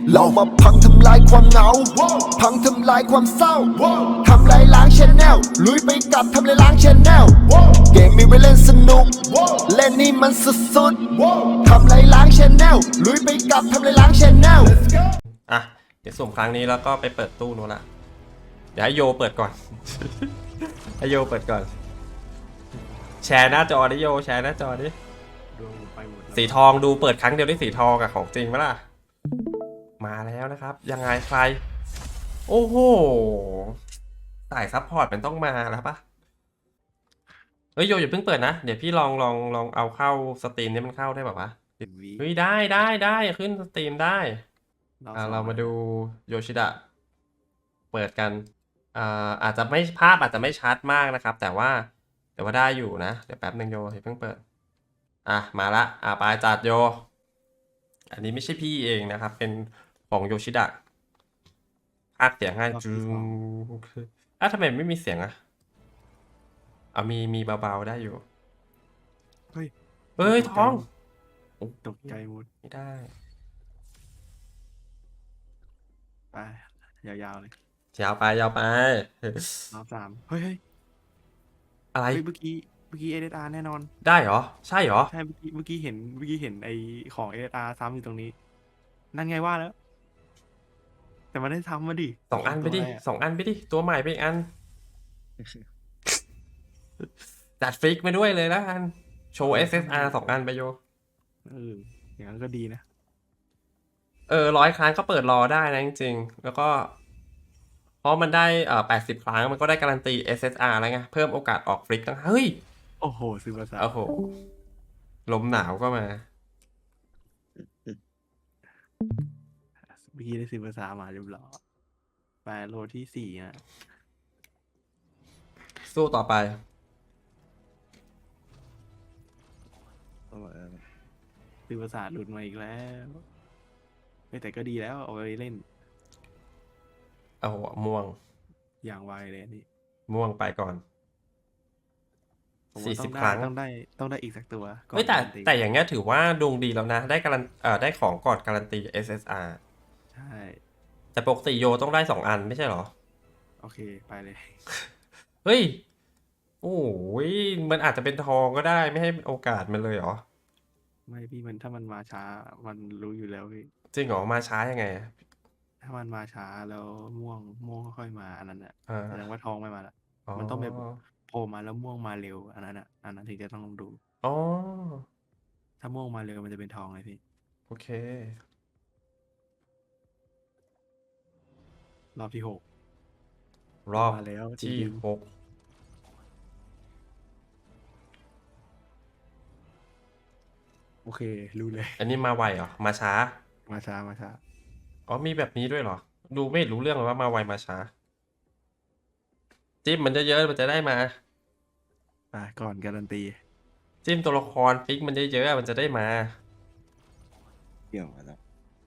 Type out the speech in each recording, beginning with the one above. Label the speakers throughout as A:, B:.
A: เรามาพังทำลายความเหงาพังทำลายความเศร้าทำลายล้างชแนลลุยไปกับทำลายล้างชแนลเกมมีไว้เล่นสนุกเล่นนี่มันสุดๆทำลายล้างชแนลลุยไปกับทำลายล้างชแนล
B: อ่ะเดี๋ยวสุ่มครั้งนี้แล้วก็ไปเปิดตู้นู้นละเดี๋ยวให้โยเปิดก่อน ให้โยเปิดก่อนแชร์หน้าจอดิโยแชร์หน้าจอดิสีทองดูเปิดครั้งเดียวได้สีทองอะของจริงไหมล่ะมาแล้วนะครับยังไงใครโอ้โหสายซัพพอร์ตมันต้องมาแล้วปะเฮ้ยโยอย่าเพิ่งเปิดนะเดี๋ยวพี่ลองเอาเข้าสตรีมนี่มันเข้าได้แบบวะเฮ้ยได้ขึ้นสตรีมได้เรามาดูโยชิดะเปิดกันอาจจะไม่ภาพอาจจะไม่ชัดมากนะครับแต่ว่าได้อยู่นะเดี๋ยวแป๊บนึงโยอย่าเพิ่งเปิดมาละไปจัดโยอันนี้ไม่ใช่พี่เองนะครับเป็นของโยชิดะพากย์เสียงให้จูทำไมไม่มีเสียงมีเบาๆได้อยู่เฮ้ยท้อง
C: ตกใจหมด
B: ไม่ได้
C: ไปยาวๆเลย
B: ยาวไป
C: รอบ3เฮ้ย
B: อะไร
C: เมื่อกี้SSR แน่นอน
B: ได้เหรอใช่เหรอ
C: ใช่เมื่อกี้เห็นไอของ SSR ซ้ำอยู่ตรงนี้นั่นไงว่าแล้วแต่มันได้ซ้ำมาดิ
B: 2 อันไปดิตัวใหม่ไปอีกอันจัดฟิกมาด้วยเลยแล้วกันโชว์ SSR 2 อันไปโย
C: อย่างนั้นก็ดีนะ
B: 100 ครั้งก็เปิดรอได้นะจริงๆแล้วก็เพราะมันได้80 ครั้งมันก็ได้การันตี SSR แล้วไงเพิ่มโอกาสออกฟลิกตั้งเฮ้ย
C: โอ้โหซื้อภาษา
B: โอ้โหลมหนาวก็มา
C: เมื่อกี้ได้ซื้อภาษามาเรียบร้อยไปโลที่4นะ
B: สู้ต่อไป
C: ซื้อภาษาหลุดมาอีกแล้วแต่ก็ดีแล้วเอาไปเล่น
B: โอ้โหม่วง
C: อย่างไวเลยนี่
B: ม่วงไปก่อน40 ครั้ง
C: ต้องได้อีกสักตัว
B: เฮ้ยแต่อย่างเงี้ยถือว่าดวงดีแล้วนะได้ได้ของก่อนการันตี SSR
C: ใช่
B: แต่ปกติโยต้องได้2 อันไม่ใช่เหรอ
C: โอเคไปเลย
B: เฮ้ยโอ้ยมันอาจจะเป็นทองก็ได้ไม่ให้โอกาสมันเลยเหรอ
C: ไม่พี่มันถ้ามันมาช้ามันรู้อยู่แล้วพี่
B: จริงเหรอมาช้ายังไง
C: ถ้ามันมาช้าแล้วม่วงค่อยมาอันนั้นแสดงว่าทองไม่มาละมันต้องแบบโผล่มาแล้วม่วงมาเร็วอันนั้นถึงจะต้องดูถ้าม่วงมาเร็วมันจะเป็นทองเลยพี่
B: โอเค
C: รอบที่
B: รอบ
C: มาแล้ว
B: ที่6
C: โอเครู้เลย
B: อันนี้มาไวเหรอมาช้า
C: มี
B: แบบนี้ด้วยเหรอดูไม่รู้เรื่องเลยว่ามาไวมาช้าจิ้มมันเยอะๆมันจะได้มา
C: ก่อนการันตี
B: จิ้มตัวละครฟิกมันเยอะๆมันจะได้มา
D: เกี่ยวมาแล้ว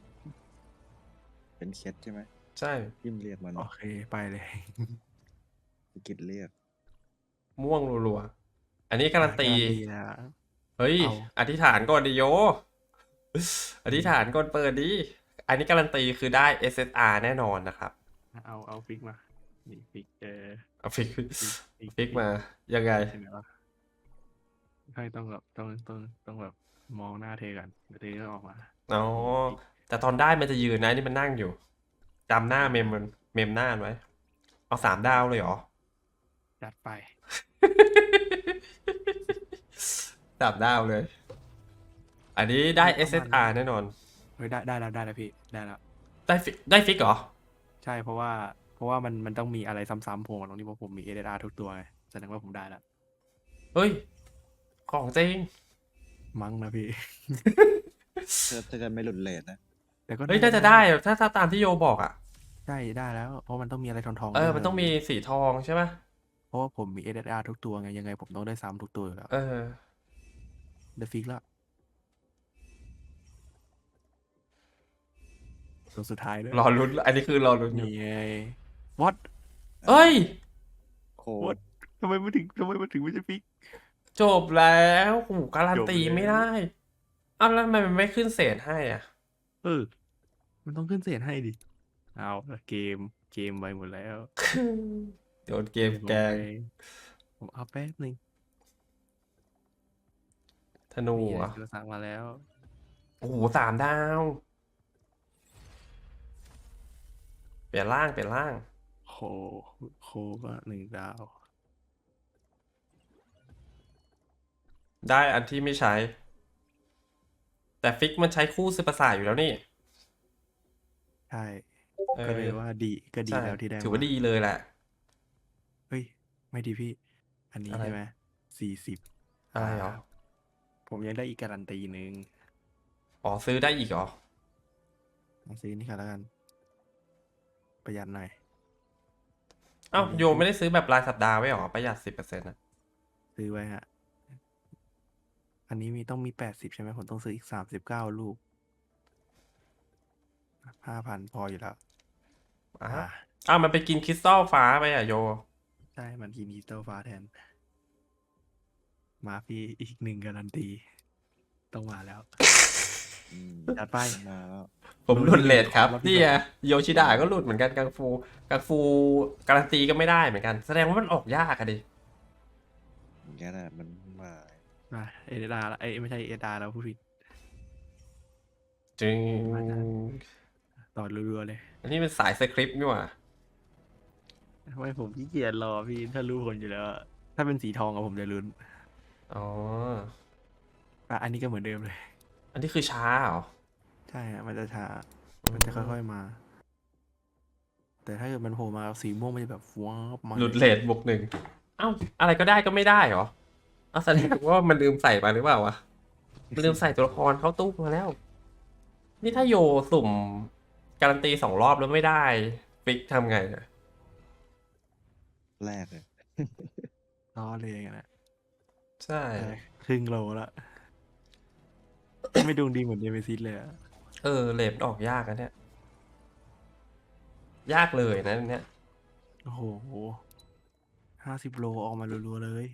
D: เป็นเคสใช่ไหม
B: ใช่
D: จิ้มเรียกมัน
C: โอเคไปเลย
D: กิจเรียก
B: ม่วงรัวๆอันนี้การันตีเฮ้ยอธิษฐานก่อนดิโยอธิษฐานก่อนเปิดดิอันนี้การันตีคือได้ SSR แน่นอนนะครับ
C: เอาฟิกมานี่ฟิก
B: เอาฟิกมายังไง
C: ให้ต้องแบบมองหน้าเทกันเดี๋ยวเทก็ออกมา
B: แต่ตอนได้มันจะยืนนะนี่มันนั่งอยู่จำหน้าเมมหน้าไว้เอา3 ดาวเลยเหรอ
C: จัดไป
B: 3 ดาวเลยอันนี้ได้ SSR แน่นอน
C: ได้แล้วพี่ได้แล้ว
B: ได้ฟิกเหรอ
C: ใช่เพราะว่ามันต้องมีอะไรซ้ำๆโผล่ตรงนี้เพราะผมมี SSR ทุกตัวไงแสดงว่าผมได้แล้ว
B: เฮ้ยของจริง
C: มั้งนะพี่
D: ถ้าจะไม่หลุดเลทนะ
C: แต่ก็
B: น่าจะได้ถ้าตามที่โยบอก
C: ใช่ได้แล้วเพราะมันต้องมีอะไรทอง
B: มันต้องมีสีทองใช่ไหม
C: เพราะว่าผมมี SSR ทุกตัวไงยังไงผมต้องได้ซ้ำทุกตัวอยู่แล้วได้ฟิกแล้วตัวสุดท้ายด้วย
B: รอลุ้นอันนี้คือรอลุ้น
C: นี่ไงวัด
B: เอ้ย
D: โค้ด
C: ทำไมมันถึงไม่ใช่ฟิก
B: จบแล้วโอ้การันตีไม่ได้แล้วทำไมมันไม่ขึ้นเศษให้
C: มันต้องขึ้นเศษให้ดิเอาละเกมไปหมดแล้ว
B: โดนเกมแกง
C: ผมเอาแป๊บหนึ่ง
B: ธนู
C: นี่
B: เหร
C: ไง
B: อ่ะ
C: เราสั่งมาแล้ว
B: โอ้โห3 ดาว เปลี่ยนร่างเปลี่ยนร่าง
C: โคโคก็1 ดาว
B: ได้อันที่ไม่ใช้ แต่ฟิกมันใช้คู่ซื้อประสาทอยู่แล้วนี่
C: ใช่
B: เอ
C: ก็
B: อ
C: เลยว่าดีก็ดี
B: ใช่
C: แล้วที่ได้
B: ถือว่า
C: มา
B: ดีเลยแหละ
C: เฮ้ย ไม่ดีพี่ อันนี้
B: อะไร
C: ใช่ไหม40
B: อะไรเหรอ
C: ผมยังได้อีกการันตีหนึ่ง
B: อ๋อซื้อได้อีกเหรอ
C: มาซื้อนี่ค่ะแล้วกัน ประหยัดหน่อย
B: เอ้าโยไม่ได้ซื้อแบบรายสัปดาห์ไว้เหรอ ประหยัด10%นะ
C: ซื้อไว้ฮะ อันนี้ต้องมี80ใช่ไหมผมต้องซื้ออีก39 ลูก 5,000 พออยู่แล้ว
B: อ่ะ
C: อ่า
B: อ้าวมันไปกินคริสตัลฟ้าไปอ่ะโย
C: ใช่ มันกินดิจิตอลฟ้าแทน มาพี่อีก1การันตี ต้องมาแล้ว
D: อืม
C: จัดไป
D: มาแล้ว
B: ผมหลุดเลทครับ
C: รอบที่
B: นี่
C: สอง
B: ไงโยชิดะก็หลุดเหมือนกันกังฟูการันตีก็ไม่ได้เหมือนกัน แสดงว่ามันออกยากอะดิ
D: อย่างนี้แหละมันมา
C: มาเอเดาละไม่ใช่เอเดาแล้วผู้ผิด
B: จึง
C: มาจ้ะ ต่อรัวๆเลย
B: อันนี้เป็นสายสคริปต์นี่หว่า
C: ทำไมผมขี้เกียจรอพี่ถ้ารู้ผลอยู่แล้ว ถ้าเป็นสีทองอะผมจะลุ้น
B: อ๋อ
C: อันนี้ก็เหมือนเดิมเลย
B: อันนี้คือช้าเหรอ
C: ใช่ฮะมันจะช้า มันจะค่อยๆมา แต่ถ้าเกิดมันโผล่มาสีม่วงมันจะแบบว้าวมา
B: หลุดเลท+1เอ้าอะไรก็ได้ก็ไม่ได้เหรอเอาแสดงว่ามันลืมใส่มาหรือเปล่าวะมันลืมใส่ตัวละครเข้าตู้มาแล้ว นี่ถ้าโยสุ่มการันตี2 รอบแล้วไม่ได้ฟิกทำไงเนี่ย
D: แรกเลย
C: ล้อเลยกันนะ
B: ใช่
C: ได้ครึ่งโลละไม่ดวงดีเหมือนเดวิซิสเลยอะ
B: เลทออกยากนะเนี่ย ยากเลยนะเนี่ย
C: โอ้โห50 โลออกมารัวๆเลย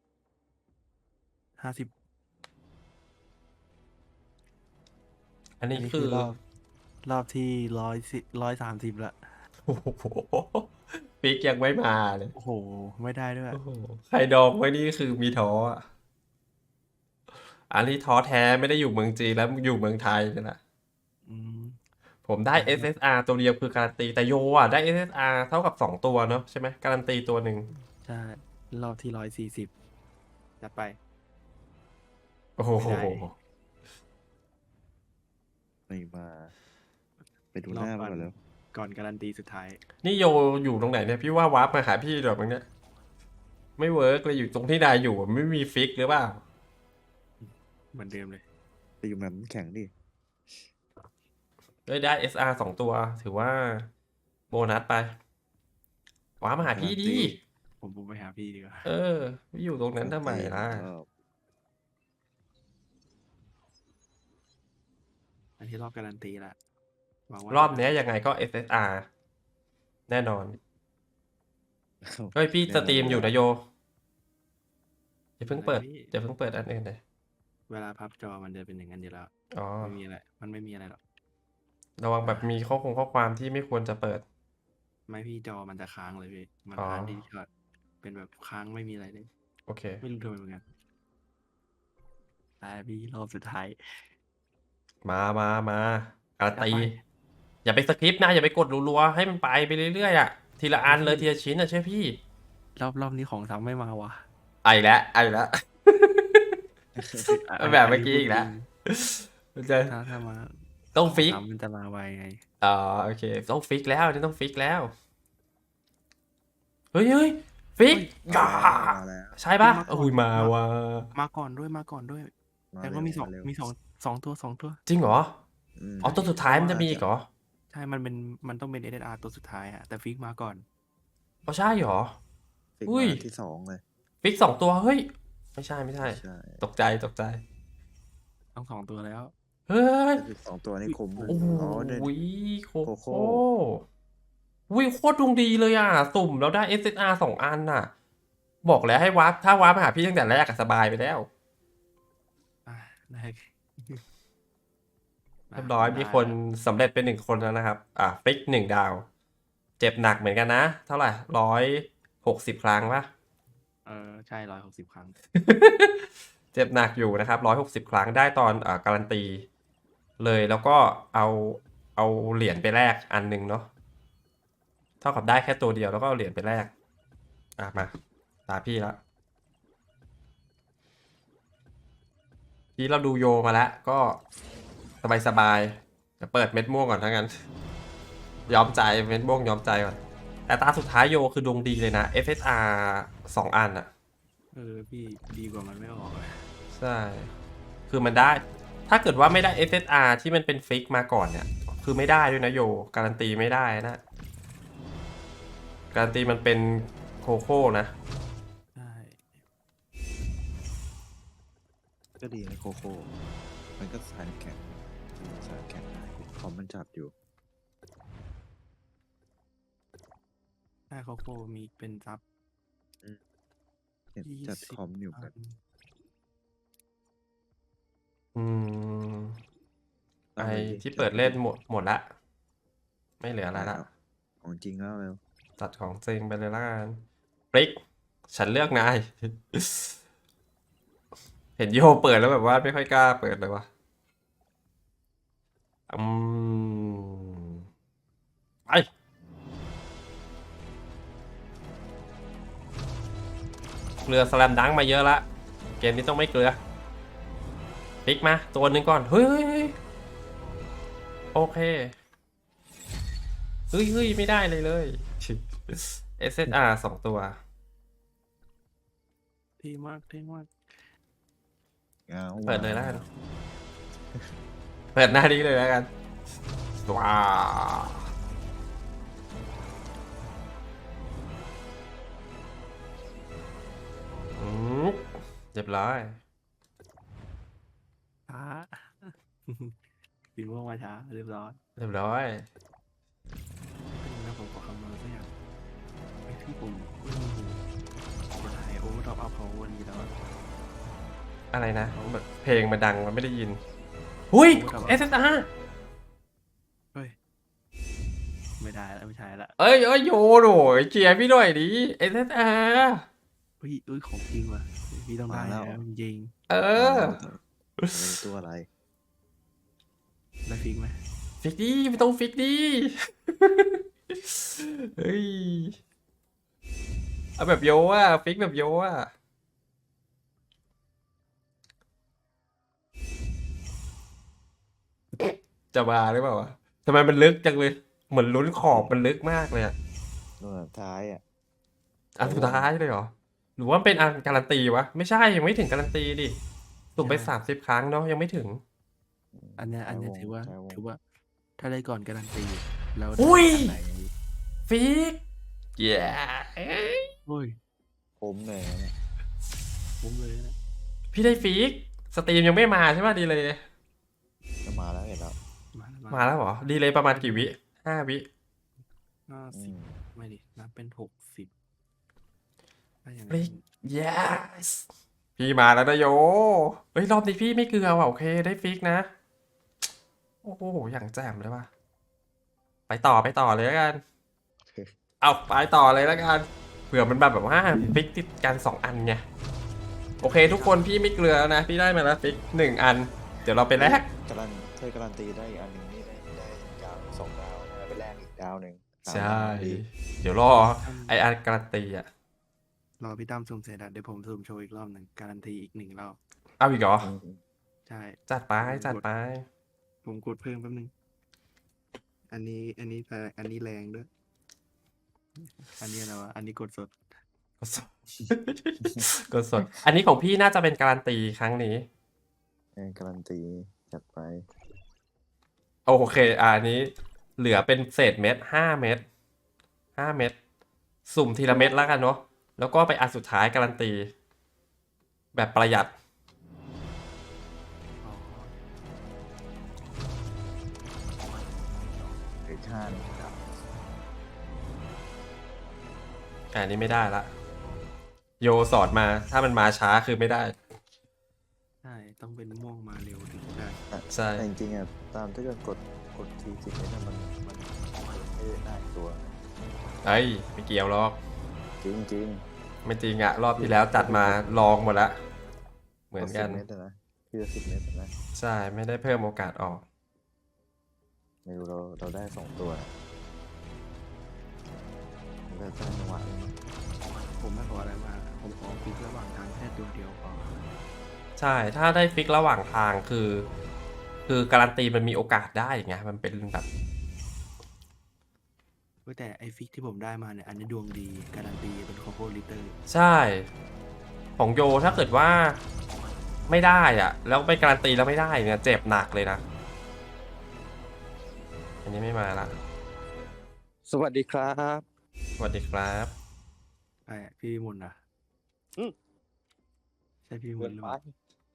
C: 50
B: อันนี้
C: อันนี้
B: คื
C: คือ อรอบที่130ละ
B: โอ้โหฟิกยังไม่มาเลย
C: โอ้โห ไม่ได้ด้วย
B: โอ้โหใครดองไว้นี่คือมีท้ออ่ะ อันนี้ท้อแท้ไม่ได้อยู่เมืองจีนแล้วอยู่เมืองไทยนี่แหละ
C: อืม
B: ผมได้ SSR ตัวเดียวคือการันตีแต่โยอ่ะได้ SSR เท่ากับ2 ตัวเนาะใช่ไหมการันตีตัวหนึ่ง
C: ใช่ รอบที่140จัดไป
B: โอ้โห
C: ไม่ได้
D: ไม่มา ไปดูหน้ามันก่อนแล้ว
C: ก่อนการันตีสุดท้าย
B: นี่โยอยู่ตรงไหนเนี่ยพี่ว่าวาร์ปมาหาพี่เดี๋ยวมั้งเนี่ยไม่เวิร์กเลยอยู่ตรงที่นายอยู่ไม่มีฟิกหรือเปล่า
C: เหมือนเดิมเลย
D: ไปอยู่แบบแข็งดิ
B: ได้ SR 2 ตัว ถือว่าโบนัสไปวาร์ปมาหาพี่ดี
C: ผมไปหาพี่ดีกว่า
B: ไม่อยู่ตรงนั้นทำไมล่ะ
C: อันที่รอบการันตีละหวังว่าร
B: อบเนี้ยยังไงก็ SSR แน่นอน เฮ้ยพี่สตรีมอยู่นะโยอย่าเพิ่งเปิดอย่าเพิ่งเปิดอันอื่นเลย
C: เวลาพับจอมันจะเป็นอย่างนั้นอยู่แล้ว
B: อ๋อ
C: ไม่มีอะไร มันไม่มีอะไรหรอก
B: ระวังแบบมีข้อความที่ไม่ควรจะเปิด
C: ไม่พี่จอมันจะค้างเลยพี่ มัน
B: อ๋อ
C: ค้างดีช็อตเป็นแบบค้างไม่มีอะไรเลย
B: โอเค
C: ไม่รู้ทำไมเหมือนกันแต่พี่รอบสุดท้าย
B: มาการันตี
C: ไป
B: อย่าไปสคริปต์นะอย่าไปกดรัวๆให้มันไปเรื่อยๆอ่ะทีละอันเลยทีละชิ้นอ่ะใช่พี่
C: รอบนี้ของซ้ำไม่มาว่ะ
B: ไอ้แล้วแบบเมื่อกี้อีกแล้วมันจะ
C: ถ้ามา
B: ต้องฟิก
C: ซ้ำมันจะมาไวไง
B: อ๋อโอเคต้องฟิกแล้วนี่ต้องฟิกแล้วเฮ้ยฟิก
D: มาแล้ว
B: ใช่ปะ
C: มาก่อน
B: โอ้ยมาว่ะ
C: มาก่อนด้วยแต่ก็มีสอง
D: เร็ว
C: มีสองตัว
B: จริงเหรอ
D: ม
B: อ๋อตัวสุดท้ายมันจะมีอีกเหรอ
C: ใช่มันต้องเป็น SSR ตัวสุดท้ายอะแต่ฟิกมาก่อน
B: อ๋อใช่เหรอ
D: ฟิก
B: อุ้ย
D: มาที่2เลย
B: ฟิก2 ตัวเฮ้ยไม่ใช่
D: ใช่
B: ตกใจ
C: ต้อง2 ตัวแล้ว
B: เฮ้ย
D: ฟิก2 ตัวนี่คุ้ม
B: โอ้โห
D: เนี่ย
B: โค
D: โคโค่
B: โค่วิโคตรดวงดีเลยอ่ะ สุ่มแล้วได้ SSR 2 อันน่ะ บอกแล้วให้วับถ้าวับมาหาพี่ตั้งแต่แรกอะสบายไปแล้ว
C: อ่ะได้ มา
B: เรียบร้อยมีคนสำเร็จเป็น1 คนแล้วนะครับฟลิก1 ดาว เจ็บหนักเหมือนกันนะ เท่าไหร่160 ครั้งปะ
C: ใช่160 ครั้ง
B: เจ็บหนักอยู่นะครับ160 ครั้งได้ตอนการันตีเลยแล้วก็เอาเหรียญไปแลกอันหนึงเนาะเท่ากับได้แค่ตัวเดียวแล้วก็เอาเหรียญไปแลกมาตาพี่ละพี่เราดูโยมาแล้วก็สบายๆจะเปิดเม็ดม่วงก่อนทั้งนั้น ยอมใจเม็ดม่วงยอมใจก่อนแต่ตาสุดท้ายโยคือดวงดีเลยนะ FSR 2 อันอะ
C: พี่ดีกว่ามันไม่ออกเลย
B: ใช่ คือมันได้ ถ้าเกิดว่าไม่ได้ FSR ที่มันเป็นฟิกมาก่อนเนี่ย คือไม่ได้ด้วยนะโย การันตีไม่ได้นะ การันตีมันเป็นโคโค่นะ
C: ใช่
D: ก็ดีนะโคโค่มันก็สายแข็งได้คอมมันจัดอยู่
C: ใช่เขาโคมีเป็นซับ
D: เห็นจัดคอมอยู่กัน
B: ไอที่เปิดเล่นหมดละ ไม่เหลืออะไรละ
D: ของจริงแล้วเร็ว
B: จัดของจริงไปเลยละกันปริกฉันเลือกนาย เห็นโยเปิดแล้วแบบว่าไม่ค่อยกล้าเปิดเลยวะไปเกลือสแลมดังมาเยอะละเกมนี้ต้องไม่เกลือพลิกมาตัวหนึ่งก่อนเฮ้ยโอเคเฮ้ยไม่ได้เลย SSR 2 ตัว
C: เท่มาก
B: เปิดเลยแล้วกันเปิดหน้านี้เลยแล้วกันว้าวเรียบร้อย
C: ช้า สีม่วงมาช้าเรียบร้อย
B: เรียบร้อย
C: เป็นนะผมขอคำนวณสักอย่างไอ้ที่ผมจะถ่ายโอเวอร์ท็อปอัพเขาวันนี้แล้วอะ
B: อะไรนะแบบเพลงมันดังมันไม่ได้ยินหุ้ย SSR
C: เฮ้ยไม่ได้แล้วไม่ใช่ละ
B: เอ้ยโยโหยเชียร์พี่หน่อยดิ SSR
C: เฮ้ยของจริงว่ะพี่ต้องได้แล้วจริง
B: เออ
D: ตัวอะไร
C: ๆได้ฟิกไหม
B: ฟิกดิไม่ต้องฟิกดิ เฮ้ยเอาแบบโยอ่ะฟิกแบบโยอ่ะจะมาหรือเปล่าวะทำไมมันลึกจังเลยเหมือนลุ้นขอบมันลึกมากเลยอ่ะ
D: ตัวท้ายอ่ะ
B: อันสุดท้ายเลยเหรอหรือว่าเป็นอันการันตีวะไม่ใช่ยังไม่ถึงการันตีดิสุ่มไป30 ครั้งเนาะยังไม่ถึง
C: อันเนี้ยถือว่าถ้าได้ก่อนการันตีแล้ว
B: อุ้ย
C: ได้อันไหน
B: ฟิกเย้
C: โอ้ย
D: ผมเลยนะ
C: ผมเลยนะ
B: พี่ได้ฟิกสตรีมยังไม่มาใช่ป่ะดีเลย
D: จะมาแล้วเห็นแล้ว
B: มาแล้วเหรอดีเลยประมาณกี่วิ5 วิ
C: 50ไม่ดินับเป็น60ได้ยังไง
B: ฟิก yes พี่มาแล้วนะโยเฮ้ยรอบนี้พี่ไม่เกลือว่ะโอเคได้ฟิกนะโอ้โหอย่างแจ่มเลยว่ะไปต่อเลยแล้วกันเอาไปต่อเลยแล้วกันเผื่อมันแบบว่าฟิกติดกัน2 อันไงโอเคทุกคนพี่ไม่เกลือแล้วนะพี่ได้มาแล้วฟิก1 อันเดี๋ยวเราไปแลก
D: การันตีได้อีกอันหนึ่งนี่ได้ดาว2 ดาวนะไปแลกอีกดาวหนึ่ง
B: ใช่ เดี๋ยวรอไออันการันตีอ่ะ
C: รอพี่ตั้มสุ่มเสร็จเดี๋ยวผมสุ่มโชว์อีกรอบหนึ่งการันตีอีก1 รอบ
B: เอาอีกเหรอ
C: ใช่
B: จัดไป
C: ผมกดเพิ่มแป๊บนึงอันนี้แรงด้วย อันนี้อะไรวะอันนี้กดสด
B: กดสด กดสด อันนี้ของพี่น่าจะเป็นการันตีครั้งนี้
D: การันตีจัดไป
B: โอเคอันนี้เหลือเป็นเศษเม็ด5 เม็ด5 เม็ดสุ่มทีละเม็ดแล้วกันเนาะแล้วก็ไปอันสุดท้ายการันตี แบบประหยัด
D: หรือ5 ดาว
B: อันนี้ไม่ได้ละโยสอนมาถ้ามันมาช้าคือไม่ได้
C: ใช่ต้องเป็นม่วงมาเร็วถึงจะได้
B: ใช่
D: แต่จริงๆอ่ะตามถ้าเกิดกดที10 เมตรมันไม่ได้ตัว
B: เอ้ยไม่เกี่ยวหรอก
D: จริง
B: ไม่จริงอะรอบที่แล้วจัดมาลองหมดละเหมือนกัน
D: 10 เมตรนะที่จะ10 เมตรนะ
B: ใช่ไม่ได้เพิ่มโอกาสออก
D: ไม่รู้เราได้2 ตัวเราได้จังหวะนี้
C: ผมไม่ขออะไรมากผมขอฟิกระหว่างทางแค่ตัวเดียวพอ
B: ใช่ถ้าได้ฟิกระหว่างทางคือการันตีมันมีโอกาสได้ไงมันเป็นแบบ
C: แต่ไอฟิกที่ผมได้มาเนี่ยอันนี้ดวงดีการันตีเป็นคอมโบลิเตอร์
B: ใช่ของโยถ้าเกิดว่าไม่ได้อะแล้วไปการันตีแล้วไม่ได้เนี่ยเจ็บหนักเลยนะอันนี้ไม่มาละ
D: สวัสดีครับ
B: สวัสดีครับ
C: ไอพี่มุนอ่ะใช่พี่มุนหรือเปล่า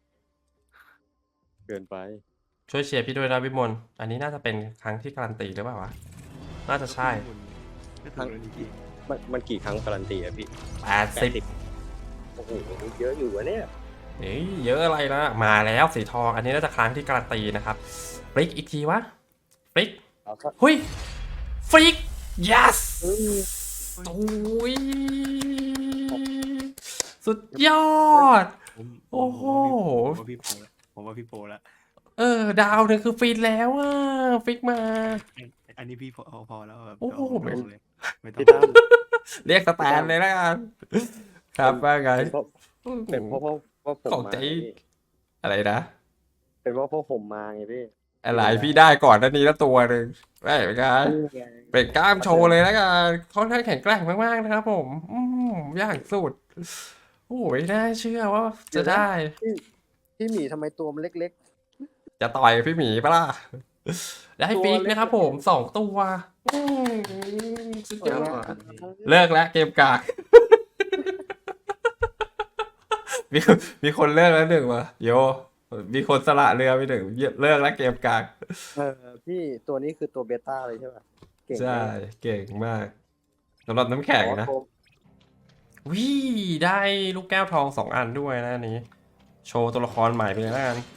E: เกินไป
B: ช่วยเชียร์พี่ด้วยนะวิมลอันนี้น่าจะเป็นครั้งที่การันตีหรือเปล่าวะน่าจะใช่
C: ก็ถูกแล้วนี่พี่
E: มันกี่ครั้งการันตีอะพี่
B: 80
E: โอ้โหเยอะอยู่วะเนี่ย
B: เฮ้ยเยอะอะไรนะมาแล้วสีทองอันนี้น่าจะครั้งที่การันตีนะครับฟลิกอีกทีวะฟลิก
E: เอาครับ
B: หุยฟลิก yes โอ้ยสุดยอด โอ้โห
C: ผมว่าพี่โปแล้ว
B: ดาวหนึ่งคือฟินแล้วอ่ะฟิกมา
C: อันนี้พี่พอแล้วแบบ
B: โอ้โห
C: ไม่ต้องเลยไม่ต้อง
E: พี่ตั้ม
B: เรียกสแตนเลยแล้วกันครับว่าไง
E: เป็นเพราะผม
B: ของ
E: มา
B: ใจอะไรนะ
E: เป็นเพราะผมมาไงพี่
B: อะไรพี่ได้ก่อนหน้านี้แล้วตัวหนึ่งได้เหมือนกันเป็นกล้ามโชว์เลยแล้วกันค่อนข้างแข็งแกร่งมากๆนะครับผมอย่างสุดโอ้ยน่าเชื่อว่าจะได้
E: พี่หมีทำไมตัวมันเล็ก
B: จะต่อยพี่หมีปะล่ะได้ฟิกนะครับผม2 ตัวสุดยอดเลิกแล้วเกมกาก มีคนเลิกแล้วหนึ่งวะโยมีคนสละเรือไปหนึ่งเลิกแล้วเกมกาก
E: พี่ตัวนี้คือตัวเบต้าเลยใช่ป่ะเก่ง
B: ใช่
E: มาก
B: เก่งมากสำหรับน้ำแข็งนะ วิได้ลูกแก้วทอง2 อันด้วยนะอันนี้ โชว์ตัวละครใหม่ไปเลยแล้วกัน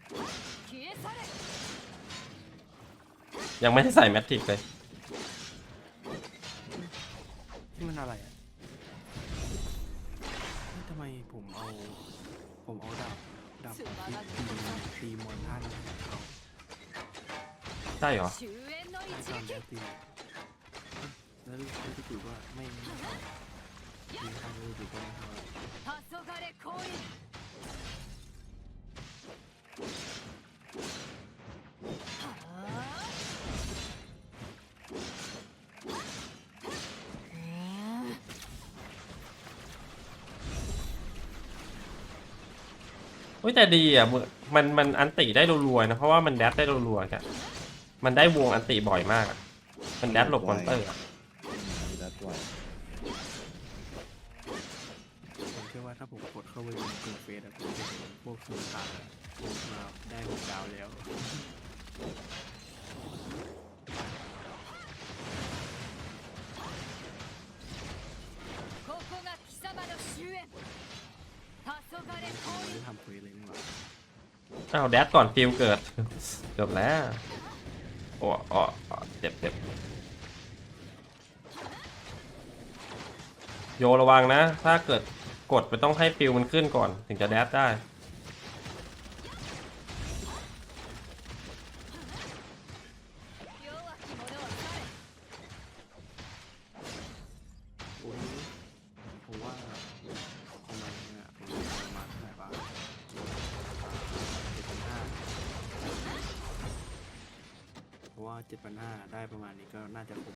B: ยังไม่ได้ใส่แมทริกเลย
C: นี่มันอะไรอ่ะทำไมผมเอาดาบตีมอนท่านเขา
B: ได้เหรอ
C: ตอนแรกตีแล้วรู้สึกว่าไม่พอตีท่านรู้สึกว่าไม่พอ
B: เฮ้ยแต่ดีอ่ะมันอันติได้รัวๆนะเพราะว่ามันแดดได้รัวๆกันมันได้วงอันติบ่อยมากอะมันแดดหลบมอนเตอร์อะ
D: ดัดไว้
C: ผมเชื่อว่าถ้าผมกดเข้าไปในกลุ่มเฟซอะผมจะเห็นพวกสุนทรพวกมาได้6 ดาวแล้ว ไม่ได้ทำเฟซเลยนี่หว่า
B: อ้าวแดดก่อนฟิลเกิด จบแล้วโอ้เจ็บโยระวังนะ ถ้าเกิดกดมันต้องให้ฟิลมันขึ้นก่อน ถึงจะแดดได้
C: โอ้ยผมว่าประมาณเนี่ยผมประมาณเท่าไหร่บ้าง7,500เพราะว่า7,500ได้ประมาณนี้ก็น่าจะคุ้ม